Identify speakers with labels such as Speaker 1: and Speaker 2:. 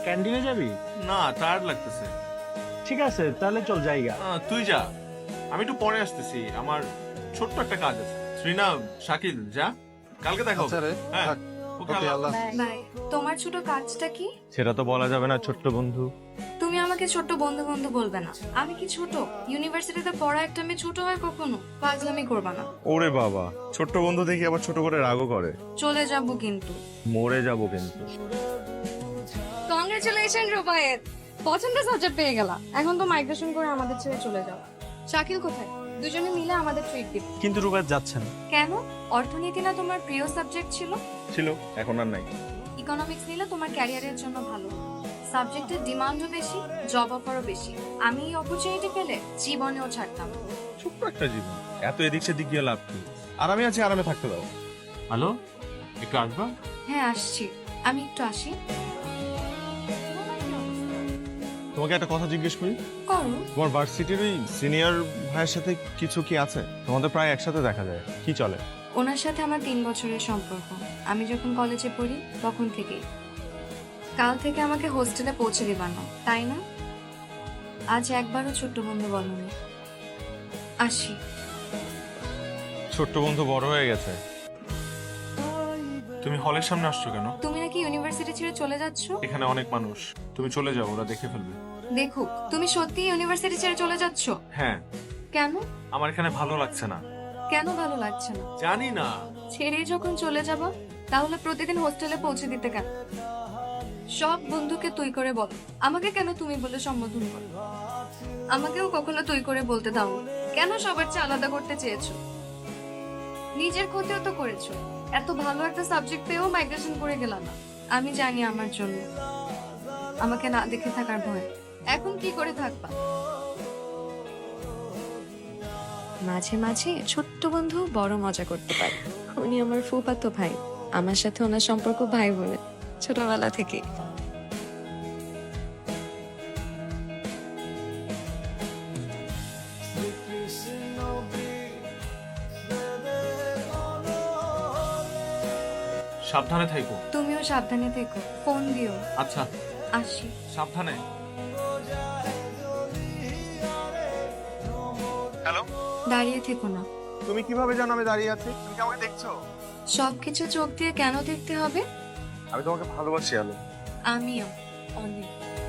Speaker 1: ক্যান্টিনে যাবি?
Speaker 2: না, টায়ার্ড লাগতেছে।
Speaker 1: ঠিক আছে, তাহলে চল জায়গা।
Speaker 2: তুই যা, আমি একটু পরে আসতেছি, আমার ছোট্ট একটা কাজ আছে। শ্রীনা, শাকিল, যা, কালকে দেখা হবে।
Speaker 3: আচ্ছা রে,
Speaker 2: হ্যাঁ,
Speaker 3: থাক।
Speaker 2: Okay,
Speaker 3: okay,
Speaker 2: Allah.
Speaker 3: Allah.
Speaker 4: Bye. তোমার ছোট কাজটা কি?
Speaker 1: সেটা তো বলা যাবে না ছোট্ট বন্ধু।
Speaker 4: তুমি আমাকে ছোট বন্ধু বন্ধু বলবে না। আমি কি ছোট? ইউনিভার্সিটিতে পড়া একটা মেয়ে ছোট হয় কখনো? পাগলামি করবা না।
Speaker 1: ওরে বাবা, ছোট্ট বন্ধু দেখি আবার ছোট করে রাগও করে।
Speaker 4: চলে যাবো কিন্তু।
Speaker 1: মরে যাবো কিন্তু।
Speaker 4: কংগ্রেচুলেশন রুবায়েত, পছন্দের সাবজেক্ট পেয়ে গেলা। এখন তো মাইগ্রেশন করে আমাদের ছেড়ে চলে যাও। শাকিল কোথায়? দুজনে মিলে আমাদের ট্রিট দিব।
Speaker 1: কিন্তু রুবাত যাচ্ছে না।
Speaker 4: কেন? অর্থনীতি না তোমার প্রিয় সাবজেক্ট ছিল?
Speaker 1: ছিল, এখন আর নাই।
Speaker 4: ইকোনমিক্স নিলে তোমার ক্যারিয়ারের জন্য ভালো। সাবজেক্টের ডিমান্ডও বেশি, জব অফারও বেশি। আমি এই অপরচুনিটি পেলে জীবনেও ছাড়তাম না।
Speaker 1: ছোট্ট একটা জীবন, এত এদিক সেদিক গিয়ে লাভ কি? আর আমি আছি, আরামে থাকতে দাও।
Speaker 2: হ্যালো, একটু আসবা?
Speaker 4: হ্যাঁ আসছি, আমি একটু আসি।
Speaker 1: তোমাকে একটা কথা জিজ্ঞেস করি।
Speaker 4: করো।
Speaker 1: তোমার ভার্সিটির ওই সিনিয়র ভাইয়ের সাথে কিছু কি আছে? তোমাদের প্রায় একসাথে দেখা যায়, কি চলে?
Speaker 4: ওনার সাথে আমার 3 বছরের সম্পর্ক। আমি যখন কলেজে পড়ি তখন থেকেই। কাল থেকে আমাকে হোস্টেলে পৌঁছে দিবা না, তাই না? আজ একবারও ছোট্ট বন্ধু বলনি। আসি।
Speaker 1: ছোট্ট বন্ধু বড় হয়ে গেছে।
Speaker 2: তুমি হলের সামনে আসছো কেন?
Speaker 4: তুমি নাকি ইউনিভার্সিটি ছেড়ে চলে যাচ্ছ?
Speaker 2: এখানে অনেক মানুষ, তুমি চলে যাও, ওরা দেখে ফেলবে।
Speaker 4: দেখুক, তুমি সত্যি ইউনিভার্সিটি ছেড়ে চলে যাচ্ছ?
Speaker 2: হ্যাঁ,
Speaker 4: কেন?
Speaker 2: আমার এখানে ভালো লাগছে না।
Speaker 4: কেন ভালো লাগছে না?
Speaker 2: জানি না।
Speaker 4: ছেড়ে যখন চলে যাব, তাহলে প্রতিদিন হোস্টেলে পৌঁছে দিতে কেন? সব বন্ধুকে তুই করে বল, আমাকে কেন তুমি বলে সম্বোধন করো? আমাকেও কখনো তুই করে বলতে দাও না। কেন সবার চেয়ে আলাদা করতে চেয়েছো? নিজের ক্ষতিও তো করেছো। এত ভালো একটা সাবজেক্ট পেয়েও মাইগ্রেশন করে গেলাম না। আমি জানি আমার জন্য আমাকে না দেখে থাকার ভয়। এখন কি করে থাকবা? মাঝে মাঝে ছোট্ট বন্ধু বড় মজা করতে পারে। উনি আমার ফুফাতো ভাই। আমার সাথে ওনার সম্পর্ক ভাই বোনের ছোটবেলা থেকে।
Speaker 2: সাবধানে থাইকো।
Speaker 4: তুমিও সাবধানে থেকো, ফোন দিও।
Speaker 2: আচ্ছা,
Speaker 4: আসি।
Speaker 2: সাবধানে।
Speaker 1: হ্যালো,
Speaker 4: দাঁড়িয়ে থেকো না।
Speaker 1: তুমি কিভাবে জানো আমি দাঁড়িয়ে আছি? তুমি কি আমাকে দেখছো?
Speaker 4: সবকিছু চোখ দিয়ে কেন দেখতে হবে?
Speaker 1: আমি তোমাকে ভালোবাসি আলো।
Speaker 4: আমিও অনেক।